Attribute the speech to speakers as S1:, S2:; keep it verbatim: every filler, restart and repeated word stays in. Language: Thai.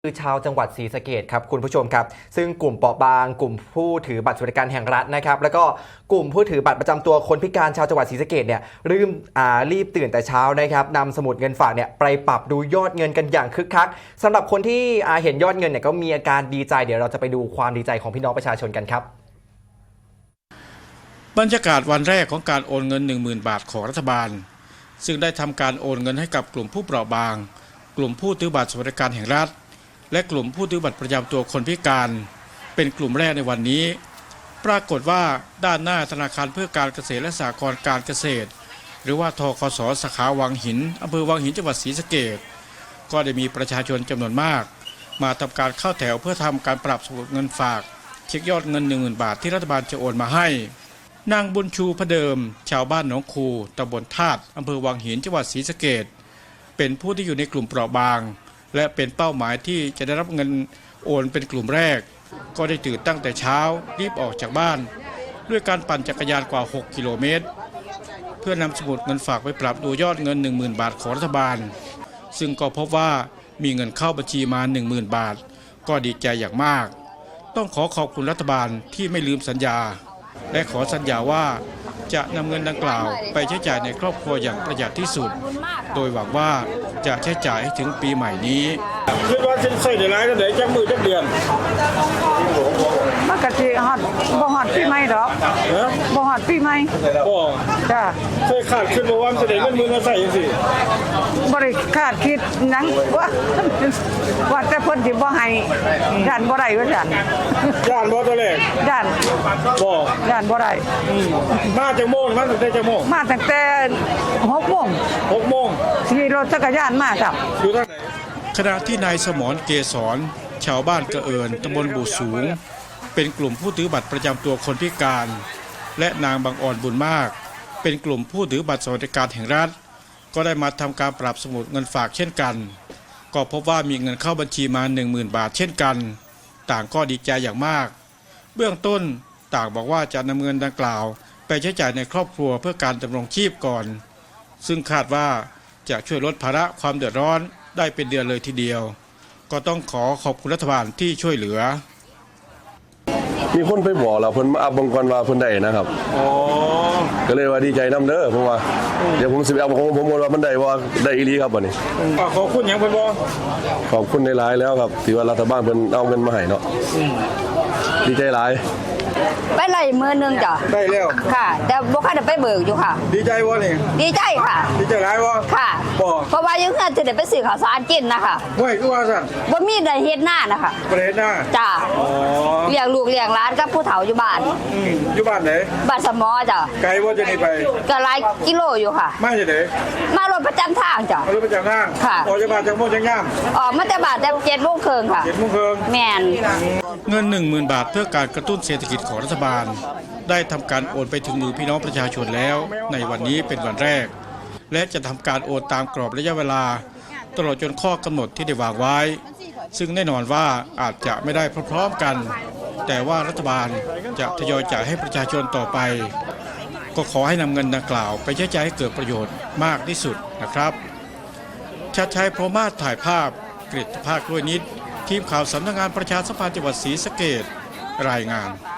S1: คือชาวจังหวัดศรีสะเกษครับคุณผู้ชมครับซึ่งกลุ่มเปราะบางกลุ่มผู้ถือบัตรสวัสดิการแห่งรัฐนะครับแล้วก็กลุ่มผู้ถือบัตรประจำตัวคนพิการชาวจังหวัดศรีสะเกษเนี่ยรีบอ่ารีบตื่นแต่เช้านะครับนำสมุดเงินฝากเนี่ยไปปรับดูยอดเงินกันอย่างคึกคักสำหรับคนที่อ่าเห็นยอดเงินเนี่ยก็มีอาการดีใจเดี๋ยวเราจะไปดูความดีใจของพี่น้องประชาชนกันครับ
S2: บรรยากาศวันแรกของการโอนเงิน หนึ่งหมื่น บาทของรัฐบาลซึ่งได้ทำการโอนเงินให้กับกลุ่มผู้เปราะบางกลุ่มผู้ถือบัตรสวัสดิการแห่งรัฐและกลุ่มผู้ถือบัตรประจำตัวคนพิการเป็นกลุ่มแรกในวันนี้ปรากฏว่าด้านหน้าธนาคารเพื่อการเกษตรและสหกรณ์การเกษตรหรือว่าธคส.สาขาวังหินอำเภอวังหินจังหวัดศรีสะเกษก็ได้มีประชาชนจำนวนมากมาทำการเข้าแถวเพื่อทำการปรับสมุดเงินฝากเช็คยอดเงิน หนึ่งหมื่น บาทที่รัฐบาลจะโอนมาให้นางบุญชูพเดิมชาวบ้านหนองคูตำบลธาตุอำเภอวังหินจังหวัดศรีสะเกษเป็นผู้ที่อยู่ในกลุ่มเปราะบางและเป็นเป้าหมายที่จะได้รับเงินโอนเป็นกลุ่มแรกก็ได้ตื่นตั้งแต่เช้ารีบออกจากบ้านด้วยการปั่นจักรยานกว่าหกกิโลเมตรเพื่อนำสมุดเงินฝากไปปรับดูยอดเงิน หนึ่งหมื่น บาทของรัฐบาลซึ่งก็พบว่ามีเงินเข้าบัญชีมา หนึ่งหมื่น บาทก็ดีใจอย่างมากต้องขอขอบคุณรัฐบาลที่ไม่ลืมสัญญาและขอสัญญาว่าจะนำเงินดังกล่าวไปใช้จ่ายในครอบครัวอย่างประหยัดที่สุดโดยหวังว่าจะใช้จ่ายให้ถึงปีใหม่นี้
S3: คิดว่าจะใส่ได้หลายก็ได้จักมือจักเดือน
S4: มันก็สิฮอดบ่ฮอดปีใหม่ดอกบ่ฮอดปีใหม่
S3: บ่
S4: จ้ะ
S3: เคยคาดคิดบ่ว่าจะได้เงินมื้อละใส่จังซี่
S4: บ่ได้คาดคิดหยังว่าว่าแต่เพิ่นสิบ่ให้ย่านบ่ได้ว่าซั่น
S3: ย่านบ่ตัวแรก
S4: ย่าน
S3: บ่
S4: ย่านบ่ได้
S3: มาจากโมงมาตั้งแต่จักโมง
S4: มาตั้งแต่หกโมง
S3: หกโมง
S4: ขี่รถจักรยานมาจ้ะ
S3: อยู่ทางไหน
S2: ขณะที่นายสมรเกษรชาวบ้านกระเอิญตำบลบู่สูงเป็นกลุ่มผู้ถือบัตรประจำตัวคนพิการและนางบางอ่อนบุญมากเป็นกลุ่มผู้ถือบัตรสวัสดิการแห่งรัฐก็ได้มาทำการปรับสมุดเงินฝากเช่นกันก็พบว่ามีเงินเข้าบัญชีมา หนึ่งหมื่น บาทเช่นกันต่างก็ดีใจอย่างมากเบื้องต้นต่างบอกว่าจะนำเงินดังกล่าวไปใช้จ่ายในครอบครัวเพื่อการดำรงชีพก่อนซึ่งคาดว่าจะช่วยลดภาระความเดือดร้อนได้เป็นเดือนเลยทีเดียวก็ต้องขอขอบคุณรัฐบาลที่ช่วยเหลือ
S5: มีคนไปบอกเราเพิ่นมาอัพบังกรว่าเพิ่นได้นะครับอ๋อก็เลยว่าดีใจนำเด้อเพราะว่าเดี๋ยวผมสิไปเอาของผมว่ามันได้ว่าได้อีหลีครับบัดนี้
S3: ขอบคุณหยังเพิ่นบ่
S5: ขอบคุณหลายๆแล้วครับที่ว่ารัฐบาลเพิ่นเอาเงินมาให้เนาะดีใจหลาย
S6: ไปไล่มือนึงจ้ะ
S3: ได้แล้ว
S6: ค่ะแต่บ่ค่อยได้ไปเบิกอยู่ค่ะ
S3: ดีใจบ่นี่
S6: ดีใจค่ะ
S3: ดีใจหลายบ่
S6: ค่ะ
S3: บ่
S6: เพราะว่ายังจะได้ไปซื้อข้าวสารกินนะคะ
S3: ห้วยคือว่าซั่น
S6: บ่มีได้เฮ็ดหน้านะคะ
S3: บ่ได้เฮ็ดหน้า
S6: จ้ะอ๋อเลี้ยงลูกเลี้ยงหลานกับผู้เฒ่าอยู่บ้าน
S3: อืมอยู่บ้านไหน
S6: บ้านสมอจ้ะ
S3: ไกลบ่จะนี่ไป
S6: ก็หลายกิโลอยู่ค่ะ
S3: มาจากไหน
S6: มารถประจำทางจ้ะ
S3: รถประจำทาง
S6: ค่ะ
S3: ออกจากบ้านจากโมงจังยาม
S6: ออกมาแต่บ้านแต่เจ็ดโมงครึ่งค่ะ
S3: เจ็ดโมงครึ่ง
S6: แม่น
S2: เงิน หนึ่งหมื่น บาทเพื่อการกระตุ้นเศรษฐกิจของรัฐบาลได้ทำการโอนไปถึงมือพี่น้องประชาชนแล้วในวันนี้เป็นวันแรกและจะทำการโอนตามกรอบระยะเวลาตลอดจนข้อกำหนดที่ได้วางไว้ซึ่งแน่นอนว่าอาจจะไม่ได้พร้อมๆกันแต่ว่ารัฐบาลจะทยอยจ่ายให้ประชาชนต่อไปก็ขอให้นำเงินดังกล่าวไปใช้จ่ายให้เกิดประโยชน์มากที่สุดนะครับชัดชัยพรหมาศถ่ายภาพกฤษภาคด้วยนิดทีมข่าวสำนักงานประชาสัมพันธ์จังหวัดศรีสะเกษรายงาน